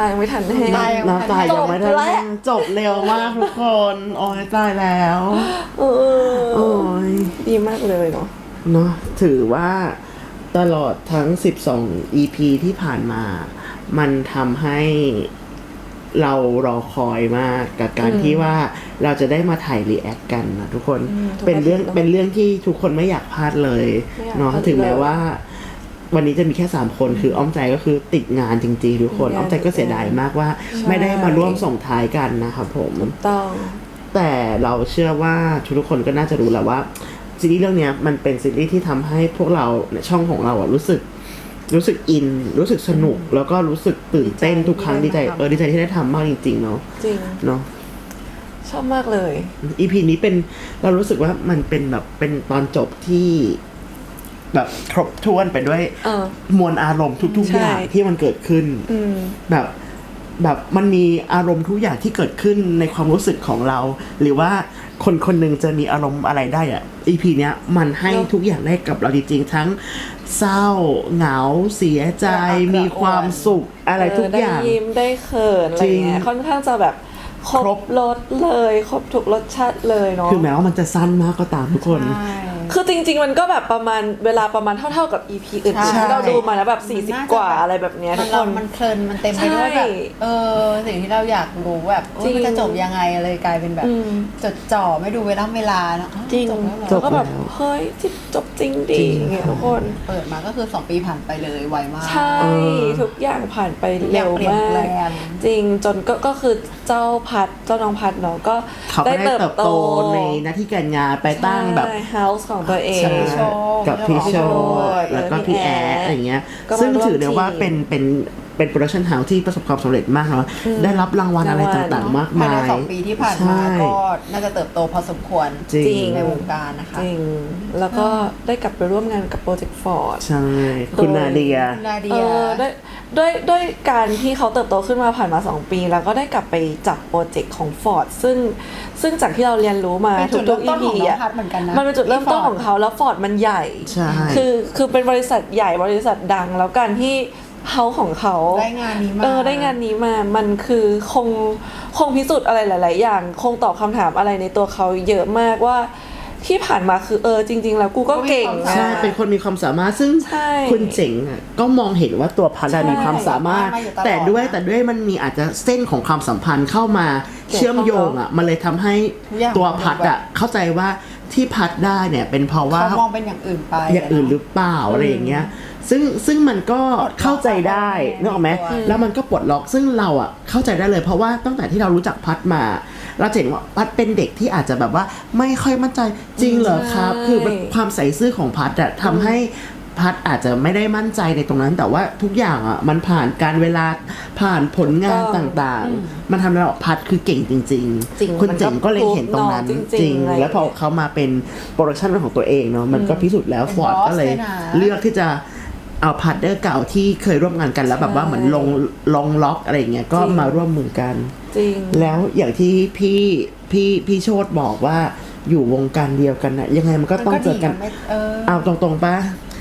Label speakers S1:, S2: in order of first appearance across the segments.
S1: ยังไม่ทันแห้ง
S2: น้ำตายังไม่ทันแห้งจบเร็วมากทุกคนโอ้ยตายแล้วโอ้ย
S1: ดีมากเลยเนาะ
S2: ถือว่าตลอดทั้ง12 EP ที่ผ่านมามันทำให้เรารอคอยมากกับการที่ว่าเราจะได้มาถ่ายรีแอคกันนะทุกคนเป็นเรื่องที่ทุกคนไม่อยากพลาดเลยเนาะถึงแม้ว่าวันนี้จะมีแค่3คนคืออ้อมใจก็คือติดงานจริงๆทุกคนอ้อมใจก็เสียดายมากว่าไม่ได้มาร่วมส่งท้ายกันนะครับผม
S1: ต้อง
S2: แต่เราเชื่อว่าทุกคนก็น่าจะรู้แหละว่าซีรีส์เรื่องนี้มันเป็นซีรีส์ที่ทำให้พวกเราในช่องของเรารู้สึกอินรู้สึกสนุกแล้วก็รู้สึกตื่นเต้นทุกครั้งดีใจที่ได้ทำมากจริงๆเนาะ
S1: จริง
S2: เนาะ
S1: ชอบมากเลย
S2: EP นี้เป็นเรารู้สึกว่ามันเป็นแบบเป็นตอนจบที่แบบครบถ้วนไปด้วยมวลอารมณ์ทุกๆอย่างที่มันเกิดขึ้นแบบมันมีอารมณ์ทุกอย่างที่เกิดขึ้นในความรู้สึกของเรา หรือว่าคนหนึ่งจะมีอารมณ์อะไรได้อ่ะ EP เนี้ยมันให้ทุกอย่างได้กับเราจริงๆทั้งเศร้าเหงาเสียใจมีความสุขอะไรทุกอย่าง
S1: ได้ยิ้มได้เขินอะไรเงี้ยค่อนข้างจะแบบครบรสเลยครบทุกรสชาติเลยเนาะ
S2: คือแม้ว่ามันจะสั้นมากก็ตามทุกคน
S1: คือจริงๆมันก็แบบประมาณเวลาประมาณเท่าๆกับ EP อื่นที่เราดูมาแล้วแบบ40กว่าอะไรแบบเนี้ยทุกคน
S3: มันเพลินมันเต็มไปด้วยแบบสิ่งที่เราอยากรู้แบบมันจะจบยังไงเลยกลายเป็นแบบจดจ่อไม่ดูเวลาเนาะ
S1: จริงแล้วก็แบบเฮ้ยจบจริงดิเงี้ยทุกคน
S3: เปิดมาก็คือ2 ปีผ่านไปเลยไวมาก
S1: ใช่ทุกอย่างผ่านไปเร็วมากจริงจนก็คือเจ้าน้องพัดเนาะก็
S2: ได้เติบโตในหน้าที่การงานไปตั้งแบบ
S1: house ของตัวเอง
S2: กับพี่โชแล้วก็พี่แอร์อะไรเงี้ยซึ่งถือได้ว่าเป็นโปรดักชั่นเฮาส์ที่ประสบความสำเร็จมากเนาะได้รับรางวัลอะไรต่างๆมากมาย
S3: ใน2 ปีที่ผ่านมาก็น่าจะเติบโตพอสมควร
S2: จริง
S3: ในวงการนะคะ
S1: จริงแล้วก็ได้กลับไปร่วมงานกับโปรเจกต์ฟอร์ด
S2: ใช่คุณนาเดีย
S1: ด้วยการที่เขาเติบโตขึ้นมาผ่านมา2 ปีแล้วก็ได้กลับไปจับโปรเจกต์ของฟอร์ดซึ่งจากที่เราเรียนรู้มาทุกๆ EP อ่ะมันเป็นจุดเริ่มต้นของเขาแล้วฟอร์ดมันใหญ่คือเป็นบริษัทใหญ่บริษัทดังแล้วการที่เขาของเขา
S3: ได้งานนี้
S1: มามันคือคงพิสูจน์อะไรหลายๆอย่างคงตอบคำถามอะไรในตัวเขาเยอะมากว่าที่ผ่านมาคือจริงๆแล้วกูก็เก่ง
S2: ใช่เป็นคนมีความสามารถซึ่งคุณเจ๋งอ่ะก็มองเห็นว่าตัวพัดมีความสามารถแต่ด้วยมันมีอาจจะเส้นของความสัมพันธ์เข้ามาเชื่อมโยงอ่ะมันเลยทำให้ตัวพัดอ่ะเข้าใจว่าที่พัดได้เนี่ยเป็นเพราะว่า
S3: เขามองเป็นอย่างอื่นไป
S2: อย่างอื่นหรือเปล่าอะไรอย่างเงี้ยซึ่งมันก็เข้าใจได้นึกออกไหมแล้วมันก็ปลดล็อกซึ่งเราอ่ะเข้าใจได้เลยเพราะว่าตั้งแต่ที่เรารู้จักพัดมาเราเห็นว่าพัดเป็นเด็กที่อาจจะแบบว่าไม่ค่อยมั่นใจจริงเหรอครับคือความใส่ซื่อของพัดอะทำให้พัดอาจจะไม่ได้มั่นใจในตรงนั้นแต่ว่าทุกอย่างอ่ะมันผ่านการเวลาผ่านผลงานต่างๆมันทำให้เราพัดคือเก่งจริงๆคนเจ๋งก็เลยเห็นตรงนั้นจริงแล้วพอเขามาเป็นโปรดักชั่นของตัวเองเนาะมันก็พิสูจน์แล้วฟอร์ดก็เลยเลือกที่จะเอาพาร์ทเนอร์เก่าที่เคยร่วมงานกันแล้วแบบว่าเหมือนลงล็อกอะไรอย่างเงี้ยก็มาร่วมมือกัน
S1: จริง
S2: แล้วอย่างที่พี่โชติบอกว่าอยู่วงการเดียวกันนะยังไงมันก็ต้องเจอกันเอาตรงๆป่ะ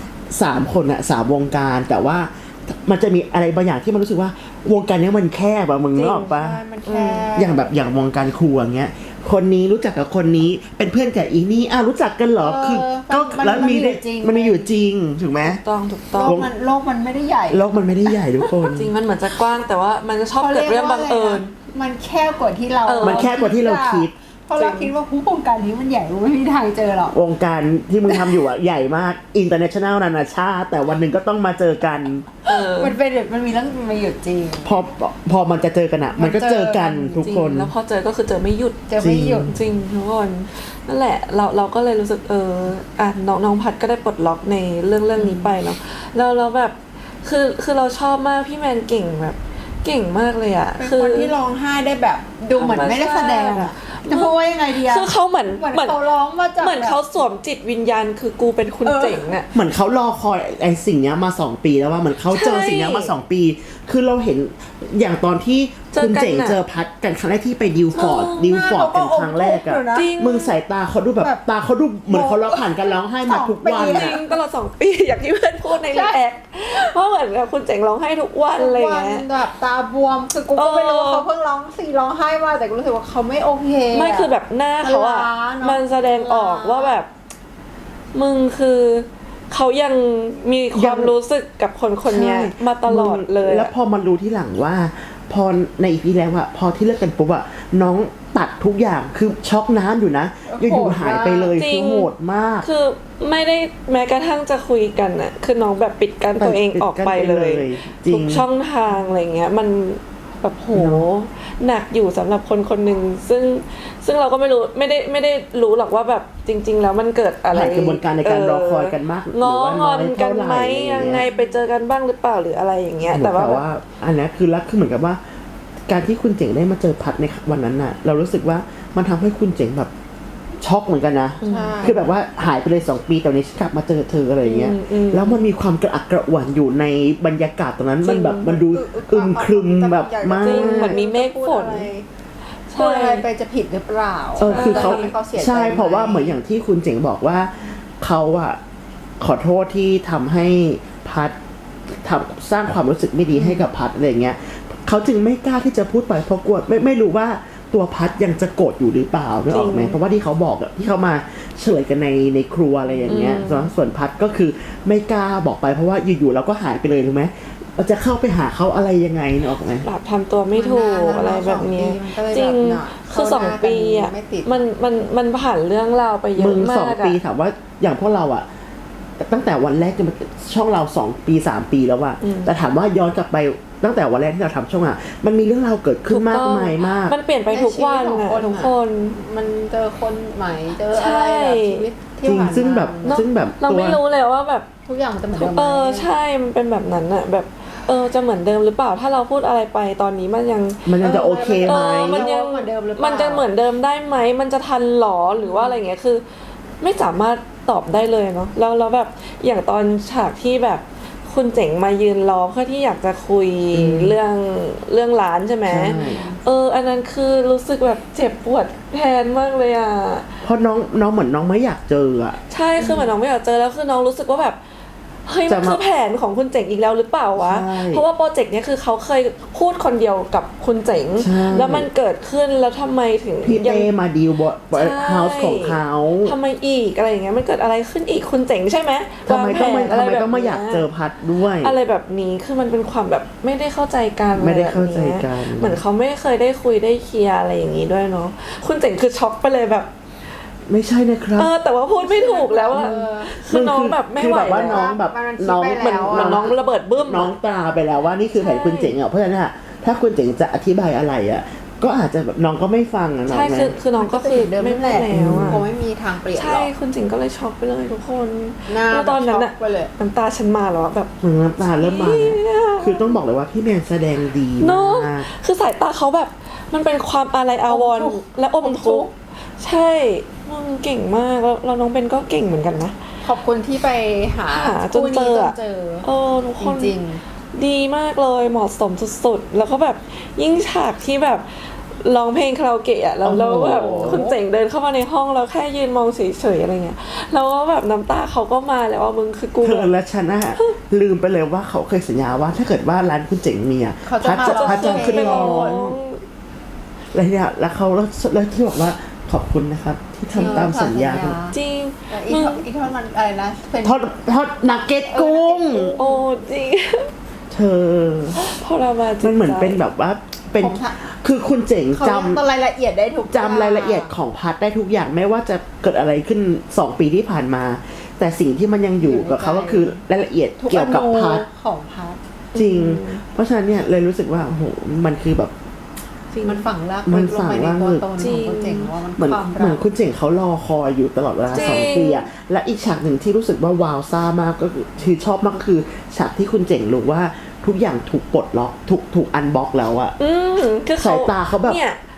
S2: 3 คนอะ3 วงการแต่ว่ามันจะมีอะไรบางอย่างที่มันรู้สึกว่าวงการนี้มันแคบอะมึงนึกออกป่ะอย่างวงการครัวเงี้ยคนนี้รู้จักกับคนนี้เป็นเพื่อนกับอีนี่รู้จักกันเหรอคือก็แล้วมันมีอยู่จริงถูกไหม
S1: ถูกต้อง
S3: โลกมันไม่ได้ใหญ่
S2: โลกมันไม่ได้ใหญ่ทุกคน
S1: จริงมันเหมือนจะกว้างแต่ว่ามันจะชอบเกิดเรื่องบังเอิญ
S3: มันแคบกว่าที่เรา
S2: มันแคบกว่าที่เราคิด
S3: เพราะเราคิดว่าผู้วงการนี้มันใหญ่ไม่มีทางเจอหรอก
S2: วงการที่มึงทำอยู่อะใหญ่มาก international นานาชาติแต่วันหนึ่งก็ต้องมาเจอกัน
S3: มันมีเรื่องมาหยุดจริง
S2: พอมันจะเจอกันอะมันก็เจอกันทุกคน
S1: แล้วพอเจอก็คือเจอไม่หยุด
S3: จ
S1: ริงทุกคนนั่นแหละเราก็เลยรู้สึกน้องพัดก็ได้ปลดล็อกในเรื่องนี้ไปเนาะเราแบบคือเราชอบมากพี่แมนเก่งแบบเก่งมากเลยอะ
S3: เป็นคนที่ร้องไห้ได้แบบดูเหมือนไม่ได้แสดงอะจะพูดว่ายังไงดีอะ
S1: คือเขาเหมือน
S3: เขาร้องมาจาก
S1: เหมือนเขาสวมจิตวิญญาณคือกูเป็นคุณเจ๋งอะ
S2: เหมือนเขารอคอยไอ้สิ่งเนี้ยมา2 ปีแล้วว่าเหมือนเขาเจอสิ่งเนี้ยมา2 ปี คือเราเห็นอย่างตอนที่คุณเจ๋งเจอพัดกันครั้งแรกที่ไปดิวฟอร์ดกันครั้งแรกอะมึงสายตาเขาดูแบบตาเขาดูเหมือนเขาร้องผ่านกันร้องไห้มาทุกวัน
S1: จริงตลอด2 ปีอย่างที่เพื่อนพูดในรีแอคว่าเหมือนกับคุณเจ๋งร้องไห้ทุกวันอะไรอย่างเงี้ย
S3: แบบตาบวมคือกูก็ไม่รู้ว่าเขาเพิ่งร้องไห้มาแต่กูรู้สึกว่าเขาไม่โอเค
S1: ไม่คือแบบหน้าเขาอะมันแสดงออกว่าแบบมึงคือเขายังมีความรู้สึกกับคนนี้มาตลอดเลย
S2: แล้วพอมันรู้ที่หลังว่าพอในอีพีแล้วอะพอที่เลิกกันปุ๊บอะน้องตัดทุกอย่างคือช็อกน้ำอยู่นะอยู่หายไปเลยคือโหดมาก
S1: คือไม่ได้แม้กระทั่งจะคุยกันอะคือน้องแบบปิดกั้นตัวเองออกไปเลยทุกช่องทางอะไรเงี้ยมันแบบโหหนักอยู่สำหรับคนหนึ่งซึ่งเราก็ไม่ได้รู้หรอกว่าแบบจริงๆแล้วมันเกิดอะไร
S2: กระบวนการในการรอคอยกันมากหรือ
S1: ว่างอนกันไหมยังไงไปเจอกันบ้างหรือเปล่าหรืออะไรอย่างเงี้ยแต่ว่า
S2: อันนี้คือรักคือเหมือนกับว่าการที่คุณเจ๋งได้มาเจอพัดในวันนั้นน่ะเรารู้สึกว่ามันทำให้คุณเจ๋งแบบช็อกเหมือนกันนะคือแบบว่าหายไปเลย2 ปีแต่วันนี้กลับมาเจอเธออะไรเงี้ยแล้วมันมีความกระอักกระอ่วนอยู่ในบรรยากาศตรงนั้นมันแบบมันดูอึมครึมแบบมาก
S1: เหมือนมีเมฆฝน
S3: ใช่ไปจะผิดหรือเปล่า
S2: คือเขาใช่เพราะว่าเหมือนอย่างที่คุณเจ๋งบอกว่าเขาอะขอโทษที่ทำให้พัดสร้างความรู้สึกไม่ดีให้กับพัดอะไรเงี้ยเขาจึงไม่กล้าที่จะพูดไปเพราะกลัวไม่รู้ว่าตัวพัดยังจะโกรธอยู่หรือเปล่านึกออกไหมเพราะว่าที่เขาบอกที่เขามาเฉลยกันในครัวอะไรอย่างเงี้ยส่วนพัดก็คือไม่กล้าบอกไปเพราะว่าอยู่ๆเราก็หายไปเลยถูกไหมเราจะเข้าไปหาเขาอะไรยังไงนึกออกไหม
S1: แบบทำตัวไม่ถูกอะไรแบบนี้จริงคือ2 ปีอ่ะมันผ่านเรื่องราวไปเยอะมาก
S2: 2 ปีถามว่าอย่างพวกเราอ่ะตั้งแต่วันแรกจนช่องเรา2 ปี 3 ปีแล้วอะแต่ถามว่าย้อนกลับไปตั้งแต่วันแรกที่เราทำช่องอะมันมีเรื่องราวเกิดขึ้นมากมายมาก
S1: มันเปลี่ยนไปทุกวันอะทุกคน
S3: มันเจอคนใหม่เจออะไรแบบชีวิตที่ผ่านมา
S2: ซึ่งแบบ
S1: เราไม่รู้เลยว่าแบบ
S3: ทุกอย่างมันจะเหมือนเดิม
S1: ใช่มันเป็นแบบนั้นอะแบบจะเหมือนเดิมหรือเปล่าถ้าเราพูดอะไรไปตอนนี้มันยัง
S2: จะโอเคไหม
S1: มันยัง
S3: เหมือนเดิมหรือเปล่า
S1: มันจะเหมือนเดิมได้ไหมมันจะทันหรอหรือว่าอะไรเงี้ยคือไม่สามารถตอบได้เลยเนาะแล้วแบบอย่างตอนฉากที่แบบคุณเจ๋งมายืนรอเพื่อที่อยากจะคุยเรื่องร้านใช่ไหมอันนั้นคือรู้สึกแบบเจ็บปวดแทนมากเลยอ่ะ
S2: เพราะน้องเหมือนน้องไม่อยากเจออ่ะ
S1: ใช่คือเหมือนน้องไม่อยากเจอแล้วคือน้องรู้สึกว่าแบบเฮ้ยมันคือแผนของคุณเจ๋งอีกแล้วหรือเปล่าวะเพราะว่าโปรเจกต์นี้คือเขาเคยพูดคนเดียวกับคุณเจ๋งแล้วมันเกิดขึ้นแล้วทำไมถึง
S2: พี่เต้มาดีลบอเฮาส์ของเขา
S1: ทำไมอีกอะไรอย่างเงี้ยมันเกิดอะไรขึ้นอีกคุณเจ๋งใช่ไหม
S2: ทำไมต้องมาอยากเจอพัดด้วย
S1: อะไรแบบนี้คือมันเป็นความแบบไม่ได้เข้าใจกัน
S2: ไม่ได้เข้าใจกัน
S1: เหมือนเขาไม่เคยได้คุยได้เคลียร์อะไรอย่างงี้ด้วยเนาะคุณเจ๋งคือช็อกไปเลยแบบ
S2: ไม่ใช่นะครับ
S1: แต่ว่าพูดไม่ถูกแล้วอะคือน้องแบบไม่ไหว
S2: ว่าน้องแบบน้อง
S1: เหมือนน้องระเบิดบึ้ม
S2: น้องตาไปแล้วว่านี่คือแผนคุณเจ๋งอ่ะเพราะฉะนั้นถ้าคุณเจ๋งจะอธิบายอะไรอ่ะก็อาจจะแบบน้องก็ไม่ฟังนะ
S1: ใช่คือน้องก็คือ
S3: เดิมไม่แล้วคงไม่มีทางเปลี่ยนหรอก
S1: ใช่คุณเจ๋งก็เลยช็อกไปเลยทุกคนตอนนั้นอะน้ำตาฉันมาแล้วแบบ
S2: น้ำตาเริ่มมาคือต้องบอกเลยว่าพี่แมนแสดงดีมาก
S1: คือสายตาเขาแบบมันเป็นความอาลัยอาวรณ์และอมทุกข์ใช่มึงเก่งมากแล้วน้องเบนก็เก่งเหมือนกันนะ
S3: ขอบคุณที่ไปหา
S1: จนเจอทุกคน
S3: จริง
S1: ดีมากเลยเหมาะสมสุดๆแล้วก็แบบยิ่งฉากที่แบบร้องเพลงคาราโอเกะอ่ะแล้วแบบคุณเจ๋งเดินเข้ามาในห้องแล้วแค่ยืนมองเฉยๆอะไรเงี้ยแล้วก็แบบน้ำตาเขาก็มาแล้วว่ามึงคือกู
S2: และฉันอะลืมไปเลยว่าเขาเคยสัญญาว่าถ้าเกิดว่าร้านคุณเจ๋งมีอ่ะพัดจะขึ้นร้องอะไรเนี่ยแล้วเขาแล้วที่บอกว่าขอบคุณนะครับที่ทำตามสัญญา
S1: จริง
S3: อีกทอดมันอะไรนะ
S2: ทอดนักเก็ตกุ้ง
S1: โอ้จริง
S2: เธอ
S1: พอเรามา
S2: มันเหมือนเป็นแบบว่าเป็นคือคุณเจ๋งจ
S3: ำรายละเอียดได้ทุก
S2: จำรายละเอียดของพัดได้ทุกอย่างไม่ว่าจะเกิดอะไรขึ้น2 ปีที่ผ่านมาแต่สิ่งที่มันยังอยู่กับเขาก็คือรายละเอียดเกี่ยวกับพัด
S3: ของพัด
S2: จริงเพราะฉะนั้นเนี่ยเลยรู้สึกว่าโอ้โหมันคือแบบ
S3: มันฝังราก
S2: มัน
S3: ฝังรากตัวตนของคุณเจ๋งว่ามัน
S2: เหมือนคุณเจ๋งเขารอคอยอยู่ตลอดเวลา2 ปีอะและอีกฉากหนึ่งที่รู้สึกว่าว้าวซ่ามากก็คือชอบมากก็คือฉากที่คุณเจ๋งรู้ว่าทุกอย่างถูกปลดล็อกถูกอันบล็อกแล้วอะ
S1: คือ
S2: สายตาเขาแบบ
S1: เนี่ย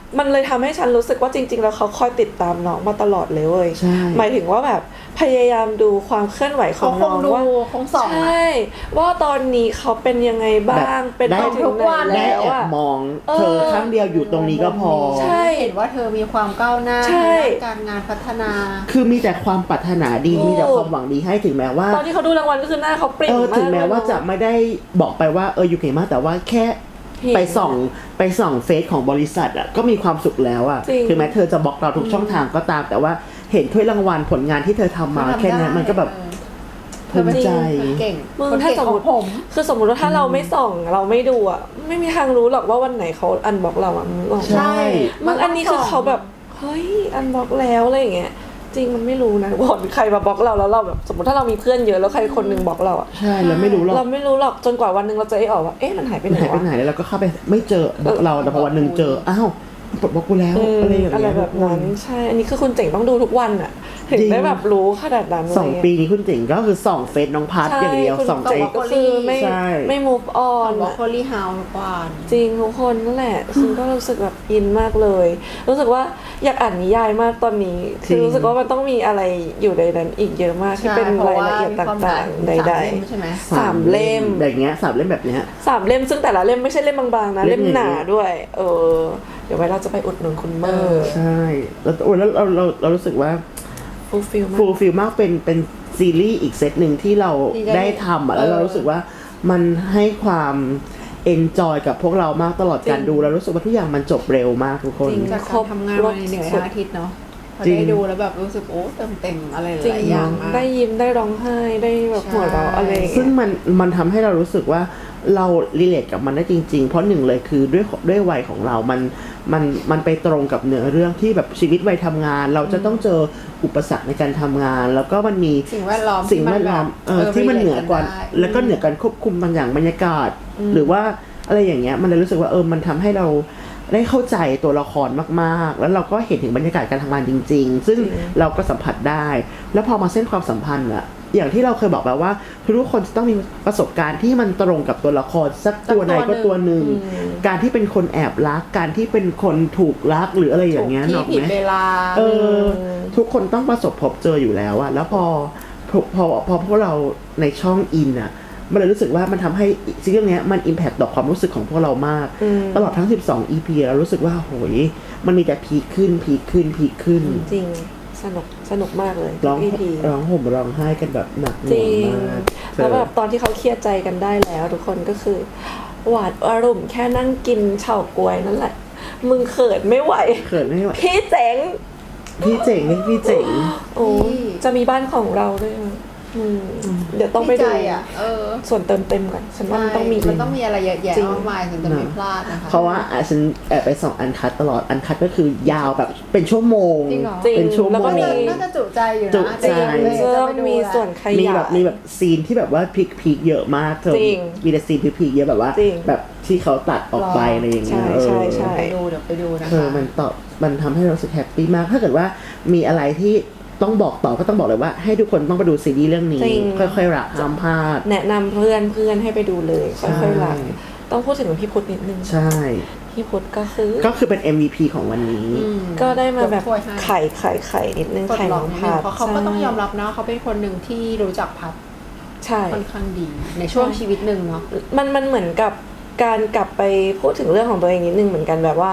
S1: มันเลยทำให้ฉันรู้สึกว่าจริงๆแล้วเขาคอยติดตามน้องมาตลอดเลยเว้ย
S2: ใช่
S1: หมายถึงว่าแบบพยายามดูความเคลื่อนไหวของน้องว่า
S3: คงส่อง
S1: ใช่ว่าตอนนี้เขาเป็นยังไงบ้างเป็นไปถึงไหน
S2: ได้
S1: แล้ว
S2: แอบ
S1: อะ
S2: มองเธอครั้งเดียวอยู่ตรงนี้ก็พอ
S1: ใช่
S3: เห็นว่าเธอมีความก้าวหน้า
S1: ใช่
S3: ในการงานพัฒนา
S2: คือมีแต่ความปรารถนาดีมีแต่ความหวังดีให้ถึงแม้ว่า
S1: ตอนที่เขาดูรางวัลก็คือหน้าเขาเปล่งมาก
S2: ถึงแม้ว่าจะไม่ได้บอกไปว่าอยู่เก่งมากแต่ว่าแค่
S1: เห็น
S2: ไปส่องเฟซของบริษัทอ่ะก็มีความสุขแล้วอ่ะ
S1: จริง
S2: ถึงแม้เธอจะบล็อกเราทุกช่องทางก็ตาม แต่ว่าเห็นถ้วยรางวัลผลงานที่เธอทำมาแค่นั้นมันก็แบบภูมิใจ
S3: เก่ง
S1: มึง
S3: คน
S1: ถ้า
S3: เก่ง
S1: สม
S3: ข
S1: ม
S3: อง
S1: ติ
S3: ผม
S1: คือสมมติว่าถ้าเราไม่ส่องเราไม่ดูอ่ะไม่มีทางรู้หรอกว่าวันไหนเขาอันบล็อกเราอ่ะมึงบอก
S2: ใช่
S1: มึงอันนี้คือเขาแบบเฮ้ยอันบล็อกแล้วอะไรอย่างเงี้ยจริงมันไม่รู้นะว่าใครมาบล็อกเราแล้วเราแบบสมมติถ้าเรามีเพื่อนเยอะแล้วใครคนหนึงบล็อกเราอ่ะ
S2: ใช่เราไม่รู้หรอก
S1: เราไม่รู้หรอกจนกว่าวันหนึงเราจะได้ออกว่าเอ๊ะมันหายไปไหน
S2: หายไป
S1: วะ
S2: ไหนแล้วเราก็เข้าไปไม่เจอบล็อกเราแต่พอวันหนึ่งเจออ้าวปลดบล็อกกูแล้วอะไรอย่าง
S1: อะไร
S2: เงี้ย
S1: แบบนั้นใช่อันนี้คือคุณเจ๋งต้องดูทุกวันอ่ะถึง
S2: จริง
S1: ได้แบบรู้ขนาดนั้น
S2: สองปีนี้คุณเจ๋งก็คือส่องเฟซน้องพัทอย่างเดียว
S1: คุณ
S2: ส่องใจ
S1: ก็คือไม่
S2: ใช่
S1: ไม่ move
S3: บ
S1: on
S3: อก
S1: อะ
S3: โคลี่เฮาส์ก่อน
S1: จริงทุกคนนั่นแหละฉันก็รู้สึกแบบอินมากเลย รู้สึกว่าอยากอ่านนิยายมากตอนนี้ คือรู้สึกว่ามันต้องมีอะไรอยู่ในนั้นอีกเยอะมากที่เป็นรายละเอียดต่างๆใดๆ
S3: ใช่ไหม
S1: สามเล่ม
S2: แบบเนี้ย3 เล่มแบบเนี้ย
S1: 3 เล่มซึ่งแต่ละเล่มไม่ใช่เล่มบางๆนะ
S2: เล่
S1: เล่
S2: ม
S1: มหนา
S2: ใหญ่ๆ
S1: ด้วย เดี๋ยวไว้เราจะไปอุดหนุนคุณเมอร์
S2: ใช่แล้วโอ้ยแล้วเรารู้สึกว่า
S1: ฟูลฟิลมาก
S2: ฟูลฟิลมากเป็นซีรีส์อีกเซตหนึ่งที่เราได้ทำอ่ะแล้วเรารู้สึกว่ามันให้ความเอนจอยกับพวกเรามากตลอดการดูแล้วรู้สึกว่าทุกอย่างมันจบเร็วมากทุกคน
S1: จริง
S3: จากการทำงานมาเหนื่อยทั้งอาทิตย์เนาะพอ
S2: จริง
S3: ได้ดูแล้วแบบรู้สึกโอ้เติมเต็มอะไรห
S1: จริง
S3: ลายๆอย่างมาก
S1: ได้ยิ้มได้ร้องไห้ได้แบบหัวเราะอะไรอย่าง
S2: ซึ่
S1: เงี้
S2: ง
S1: ย
S2: มันทำให้เรารู้สึกว่าเรารีเลทกับมันได้จริง ๆ เพราะหนึ่งเลยคือด้วยวัยของเรามันไปตรงกับเนื้อเรื่องที่แบบชีวิตวัยทำงาน เราจะต้องเจออุปสรรคในการทำงาน แล้วก็มันมี
S3: สิ่งแวดล้อม
S2: สิ่งแวดล้อมที่มันเหนือกว่าแล้วก็เหนือการควบคุมบางอย่างบรรยากาศ หรือว่าอะไรอย่างเงี้ยมันเลยรู้สึกว่ามันทำให้เราได้เข้าใจตัวละครมากๆ แล้วเราก็เห็นถึงบรรยากาศการทำงานจริง ๆ ซึ่งเราก็สัมผัสได้ แล้วพอมาเส้นความสัมพันธ์อะอย่างที่เราเคยบอกไปว่าทุกคนจะต้องมีประสบการณ์ที่มันตรงกับตัวละครสักตัวใดก็ตัวหนึ่งการที่เป็นคนแอบรักการที่เป็นคนถูกรักหรืออะไรอย่างเงี้ย
S3: ที่
S2: เนาะ
S3: ผิด
S2: ไหม
S3: เวลา
S2: ทุกคนต้องประสบพบเจออยู่แล้วอะแล้วพอพวกเราในช่องอินอะมันเลยรู้สึกว่ามันทำให้ซีรีส์เรื่องนี้มันอิมแพคต่อความรู้สึกของพวกเรามาก ตลอดทั้ง12 EP เรารู้สึกว่าโหยมันมีแต่พีคขึ้น
S1: จริงสนุกมากเลย
S2: ร้อง
S1: EP
S2: ห่มร้องไห้กันแบบหนักห
S1: จ
S2: น่ว
S1: ริ
S2: ง
S1: ง
S2: มาก
S1: แล้วแบบตอนที่เขาเคลียร์ใจกันได้แล้วทุกคนก็คือ หวาดอารมณ์แค่นั่งกินเฉาก๊วยนั่นแหละ มึงเขินไม่ไหว
S2: เขินไม่ไหว
S1: พี่เจ๋ง
S2: พี่เจ๋งนี่พี่เจ๋ง
S1: โอ้จะมีบ้านของเราด้วยนะเดี๋ยวต้องไปดู
S3: ใจอ่ะ
S1: ส่วนเติมเต็มกันฉันว่ามันต้องมี
S3: มันต้องมีอะไรเยอะแยะ
S1: จริง
S3: มากมายถึงจะไม่พลาดนะคะ
S2: เพราะว่าฉันแอบไปส่องอันคัดตลอดอันคัดก็คือยาวแบบเป็นชั่วโมง
S3: จริงเหรอ
S1: จริง
S2: เป็นชั่วโมง
S1: แล้วก็มี
S3: น่าจะจุใจอยู่นะ
S2: จุใจ
S1: เริ่มมีส่วนขยาย
S2: มีแบบซีนที่แบบว่าพีคเยอะมากเธอ
S1: จริง
S2: มีแต่ซีนพีคเยอะแบบว่า
S1: จริง
S2: แบบที่เขาตัดออกไปอะไรอย่างเงี้ย
S1: ใช่
S2: เออ
S3: ไปดูเดี๋ยวไปดูนะคะ
S2: มันทำให้เรารู้สึกแฮปปี้มาก ถ้าเกิดว่ามีอะไรที่ต้องบอกต่อก็ต้องบอกเลยว่าให้ทุกคนต้องไปดูซีรีส์เรื่องนี้
S1: จริง
S2: ค่อยๆรักห้ามพลาด
S1: แนะนำเพื่อนให้ไปดูเลย
S2: ใช่
S1: ค่อยๆรักต้องพูดถึงพี่พุทธนิดนึง
S2: ใช่
S1: พี่พุทธก็คือ
S2: ก็คือเป็น MVP ของวันนี้
S1: ก็ได้มาแบบ
S3: ยกถ้วยให้
S1: ไข่นิดนึง
S3: ปลด
S1: ไข่
S3: ล็
S1: น้
S3: อก
S1: อง
S3: นิดนึ
S1: พั
S3: ง
S1: ด
S3: เพราะเขาก็ต้องยอมรับนะเขาเป็นคนหนึ่งที่รู้จักพัด
S1: ใช่
S3: ค่อนข้างดี ในช่วงชีวิตหนึ่งเนาะ
S1: มันเหมือนกับการกลับไปพูดถึงเรื่องของตัวเองนิดนึงเหมือนกันแบบว่า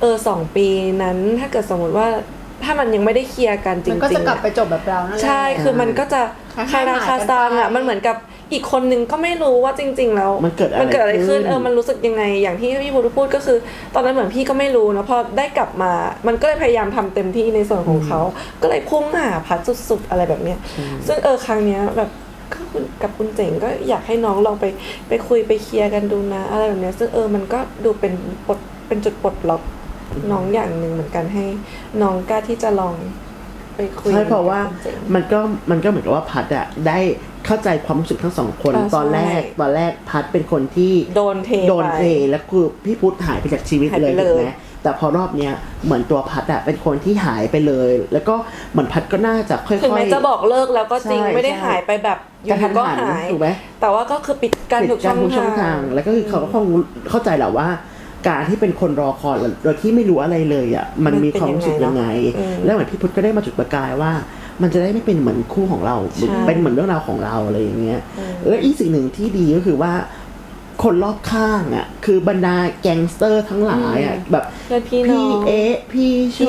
S1: 2 ปีนั้นถ้าเกิดสมมติว่าถ้ามันยังไม่ได้เคลียร์กันจริ
S3: มั
S1: ง
S3: นก็จะ
S1: ๆ
S3: กลับไปจบแบบเรานั่นแหละ
S1: ใช่คือมันก็จะคาราคาซังอ่ะมันเหมือนกับอีกคนนึงก็ไม่รู้ว่าจริง ๆ แล้ว
S2: มันเกิดอะไร
S1: ขึ้น
S2: ขึ้น
S1: มันรู้สึกยังไงอย่างที่พี่พูดก็คือ ตอนนั้นเหมือนพี่ก็ไม่รู้นะพอได้กลับมา มันก็เลยพยายามทำเต็มที่ในส่วนของเขาก็เลยพุ่งหาพัดสุดๆอะไรแบบเนี้ยซึ่งครั้งเนี้ยแบบก็กับคุณเจ๋งก็อยากให้น้องลองไปคุยไปเคลียร์กันดูนะอะไรแบบเนี้ยซึ่งมันก็ดูเป็นจุดปลดล็อกน้องอย่างหนึ่งเหมือนกันให้น้องกล้าที่จะลองไปคุย
S2: ใช่เพราะว่า
S1: กับคุณเจ๋ง
S2: มันก็เหมือนกับว่าพัดอะได้เข้าใจความรู้สึกทั้งสองคน
S1: ใช่
S2: ตอนแรกพัดเป็นคนที่
S1: โดนเท
S2: เทแล้วคือพี่พุทธหายไปจากชีวิต
S1: หาย
S2: เล
S1: ไป
S2: ย
S1: เลย
S2: ถูกไหมแต่พอรอบเนี้ยเหมือนตัวพัดอะเป็นคนที่หายไปเลย แล้วก็เหมือนพัดก็น่าจะค่อยๆ
S1: ถึงแม้จะบอกเลิกแล้วก็จริง
S2: ใช่
S1: ไม่ได้หายไปแบบอยู่
S2: กระทัน
S1: ๆก็
S2: หัน
S1: หาย
S2: ถูกไหม
S1: แต่ว่าก็คือปิดการ
S2: ปิด
S1: ทุก
S2: การทุกช่
S1: ช่
S2: อ
S1: อง ง
S2: ทา
S1: ทาง ง
S2: แล้วก็คือเขาก็คงเข้าใจแหละว่าการที่เป็นคนรอคอยโดยที่ไม่รู้อะไรเลยอ่ะมันมีความรู้สึกยังไงแล้วเหมือนพี่พุทธก็ได้มาจุดประกายว่ามันจะได้ไม่เป็นเหมือนคู่ของเราเป็นเหมือนเรื่องราวของเราอะไรอย่างเงี้ยและอีกสิ่งหนึ่งที่ดีก็คือว่าคนรอบข้างอ่ะคือบรรดาแก๊งสเตอร์ทั้งหลายอ่ะแบบพี่เอ๊ะพี่โช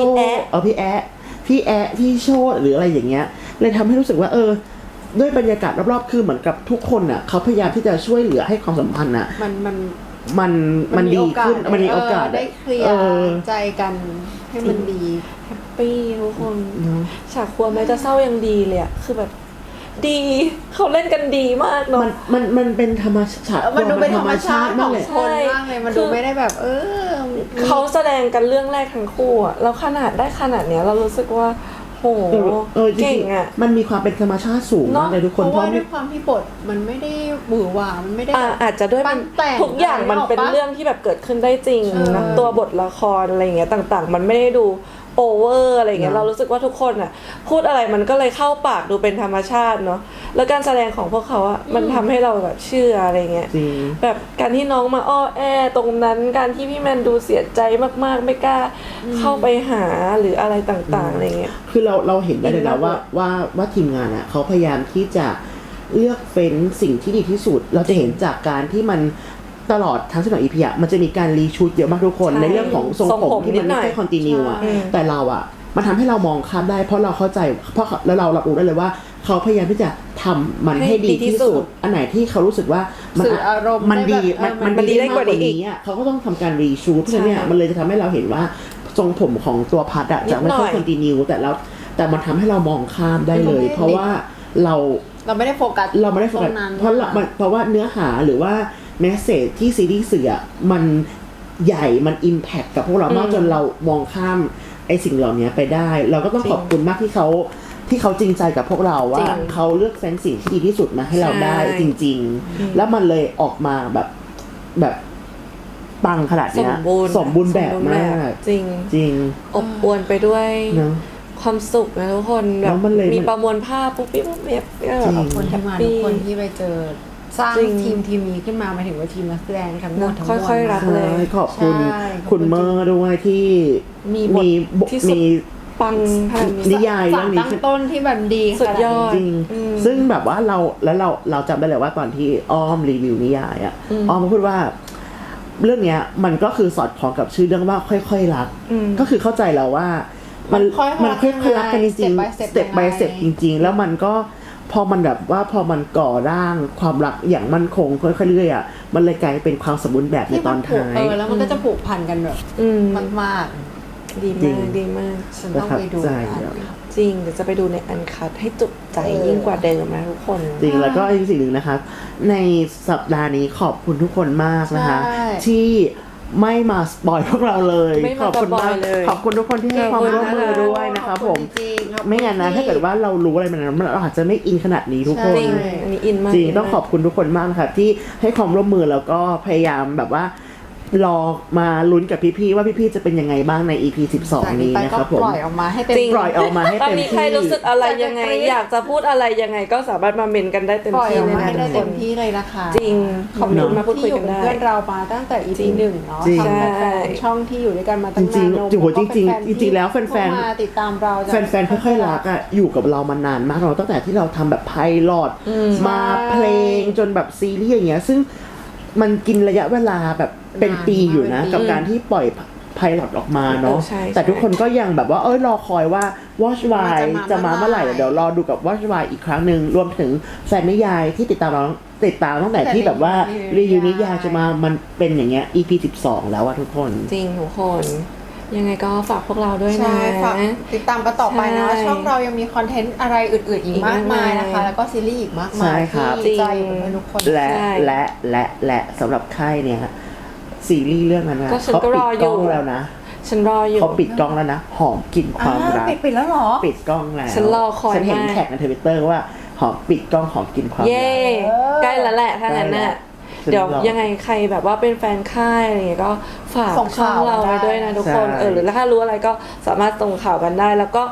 S2: พี่โชหรืออะไรอย่างเงี้ยเลยทำให้รู้สึกว่าด้วยบรรยากาศรอบๆคือเหมือนกับทุกคนอ่ะเขาพยายามที่จะช่วยเหลือให้ความสัมพันธ์อ่ะมันดีขึ้นมันมีโอกาส
S3: ได้เคลียร์ใจกันให้มันดี
S1: แฮปปี้ทุกคนฉากครัวแม้จะเศร้ายังดีเลยอะคือแบบดีเขาเล่นกันดีมากเนาะ
S2: มันเป็นธรรมชาติ
S3: มันดูเป็นธรรมชาติมากเลยคนมากเลยมันดูไม่ได้แบบ
S1: เขาแสดงกันเรื่องแรกทั้งคู่อะแล้วขนาดได้ขนาดเนี้ยเรารู้สึกว่าโหเก่งอ่ะ
S2: มันมีความเป็นธรรมชาติสูงมากเลยทุกคน
S3: เพราะว่าด้วยความที่บทมันไม่ได้หวือหวามันไม่ได้
S1: อาจจะด้วยทุกอย่างมันเป็นเรื่องที่แบบเกิดขึ้นได้จริงนะตัวบทละครอะไรเงี้ยต่างๆมันไม่ได้ดูโอเวอร์อะไรเงี้ยเรารู้สึกว่าทุกคนอ่ะพูดอะไรมันก็เลยเข้าปากดูเป็นธรรมชาติเนาะแล้วการแสดงของพวกเขาอ่ะมันทำให้เราแบบเชื่ออะไรเงี้ยแบบการที่น้องมาอ้อแอตรงนั้นการที่พี่แมนดูเสียใจมากๆไม่กล้าเข้าไปหาหรืออะไรต่างๆอะไรเงี้ย
S2: คือเราเห็นได้เลยนะว่าทีมงานอ่ะเขาพยายามที่จะเลือกเฟ้นสิ่งที่ดีที่สุดเราจะเห็นจากการที่มันตลอดทั้ง12 EP อ่ะมันจะมีการรีชูตเยอะมากทุกคนในเรื่องของทรงผมที่มันไม่ใช่คอนติเนียอ่ะแต่เราอ่ะมันทำให้เรามองข้ามได้เพราะเราเข้าใจแล้วเรารับรู้ได้เลยว่าเขาพยายามที่จะทำมันให้ดีที่สุดอันไหนที่เขารู้สึกว่ามันดีมันดีได้กว่านี้อ่ะเขาก็ต้องทำการรีชูตเพราะฉะนั้นเนี่ยมันเลยจะทำให้เราเห็นว่าทรงผมของตัวพัดอ่ะจะไม่ใช่คอนติเนียแต่มันทำให้เรามองข้ามได้เลยเพราะว่าเรา
S3: ไม่ได้โฟกัส
S2: เพราะว่าเนื้อหาหรือว่าแมสเสจที่ซีรีส์สื่อมันใหญ่มันอิมแพคกับพวกเรามากจนเรามองข้ามไอ้สิ่งเหล่านี้ไปได้เราก็ต้องขอบคุณมากที่เขาจริงใจกับพวกเราว่าเขาเลือกเฟ้นสิ่งที่ดีที่สุดมาให้เราได้จริงๆแล้วมันเลยออกมาแบบปังขนาดนี้สมบูรณ์แบบมาก
S1: จ
S2: ริง
S1: อบอวลไปด้วยความสุขนะทุกคนแบบมีประมวลภาพปุ๊บปิ๊บปุ๊บแบบ
S3: ขอบคุณทีมงานทุกคนที่ไปเจอสร้างทีมนี้ขึ้นมาหมายถึงว่าทีมนักแสดงทั้งหมด
S1: ค่อยๆรักเลย
S2: ขอบคุณเมอร์ด้วยที่มี
S1: ปัง
S2: นิยายเรื่องนี้
S3: ตั้งต้นที่แบบดี
S1: สุดยอด
S2: จริงซึ่งแบบว่าเราจำได้เลยว่าตอนที่อ้อมรีวิวนิยายอ่ะอ้อมพูดว่าเรื่องเนี้ยมันก็คือสอดคล้องกับชื่อเรื่องว่าค่อยๆรักก็คือเข้าใจแล้วว่ามันค่อยๆรักกันจริงๆ step by step จริงๆแล้วมันก็พอมันแบบว่าพอมันก่อร่างความรักอย่างมั่นคงค่อยๆเรื่อยๆอ่ะมันเลยกลายเป็นความสมบูรณ์แบบในตอนท้าย
S3: แล้วมันก็จะผูกพันกันแบบมาก
S1: ดีมาก
S3: ฉันต้องไปดู
S1: จริงเดี๋ยวจะไปดูในอันคัทให้จุใจยิ่งกว่าเดิมนะทุกคน
S2: จริงแล้วก็อีกสิ่งหนึ่งนะคะในสัปดาห์นี้ขอบคุณทุกคนมากนะคะที่ไม่มาสปอยพวกเราเลยขอบคุณมากขอบคุณทุกคนที่ให้ความร่วมมือด้วยนะคะผมไม่งั้นนะถ้าเกิดว่าเรารู้อะไรมันเราอาจจะไม่อินขนาดนี้ทุกคน
S1: จริงอันนี้อินมาก
S2: จริงต้องขอบคุณทุกคนมากค่ะที่ให้ความร่วมมือแล้วก็พยายามแบบว่ารอมาลุ้นกับพี่ๆว่าพี่ๆจะเป็นยังไงบ้างใน EP 12นี้นะครับผม
S3: ปล่อยออกมาให้เต็ม
S2: ปล่อยออกมาให้เต็มที่
S1: มีใครรู้สึกอะไรยังไงอยากจะพูดอะไรยังไงก็สามารถมาเมนกันได้เต็มที่
S3: เลยนะเต็มที่เลยนะคะ
S1: จริงคอมเมนต์มาพูดคุยกันได้
S3: เพื่อนเรามาตั้งแต่ EP 1เนาะทำแฟนช่องที่อยู่ด้วยกันมาตั้งนาน
S2: จริงแล้วแฟน
S3: ๆมาติดตามเรา
S2: แฟนๆค่อยๆรักอ่ะอยู่กับเรามานานมากเราตั้งแต่ที่เราทำแบบไพลอตมาเพลงจนแบบซีรีส์อย่างเงี้ยซึ่งมันกินระยะเวลาแบบเป็นปีอยู่นะกับการที่ปล่อยไพลอตออกมาเนาะแต่ทุกคนก็ยังแบบว่ารอคอยว่า Watch Why จะมาเมื่อไหร่เดี๋ยวรอดูกับ Watch Why อีกครั้งนึงรวมถึงแฟนนิยายที่ติดตามตั้งแต่ที่แบบว่ารีวิวนิยายจะมามันเป็นอย่างเงี้ย EP 12แล้วอะทุกคน
S1: จริงทุกคนยังไงก็ฝากพวกเราด้วยนะ
S3: ฝากติดตามกันต่อไปนะช่องเรายังมีคอนเทนต์อะไรอื่นๆอีกมากมายนะคะแล้วก็ซีรีส์อีกมากมายที่ใจของทุกคน
S2: และสำหรับค่ายเนี่ยซีรีส์เรื่องนั้นนะเขาปิดกล้องแล้วนะ
S1: ฉันรออยู่
S2: เขาปิดกล้องแล้วนะหอมกลิ่นความรัก
S3: ปิดแล้วหรอ
S2: ปิดกล้องแล้ว
S1: ฉันรอคอย
S2: ฉันเห็นแท็กใน Twitter ว่าหอมปิดกล้องหอมกลิ่นความรัก
S1: เย้ใกล้แล้วแหละถ้างั้นน่ะเดี๋ยวยังไงใครแบบว่าเป็นแฟนค่ายอะไรเงี้ยก็ฝากช่องเราไว้ด้วยนะทุกคนหรือถ้ารู้อะไรก็สามารถส่งข่าวกันได้แล้วก็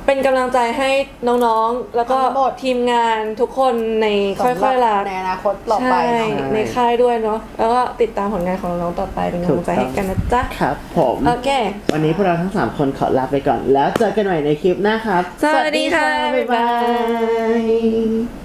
S1: เป็นกำลังใจให้น้องๆ แล้วก็
S3: ทั้งหมด
S1: ทีมงานทุกคนในค่อยๆรัก
S3: ในอนาคตต่อไป
S1: ใช่
S3: เนาะ
S1: ในค่ายด้วยเนาะแล้วก็ติดตามผลงานของน้องๆต่อไปเป็นกำลังใจให้กันนะจ๊ะ
S2: ครับผม
S1: โอเค
S2: วันนี้พวกเราทั้ง 3 คนขอลาไปก่อน แล้วเจอกันใหม่ในคลิปหน้าครับ
S1: สวัสดีค่ะ
S2: บ๊ายบาย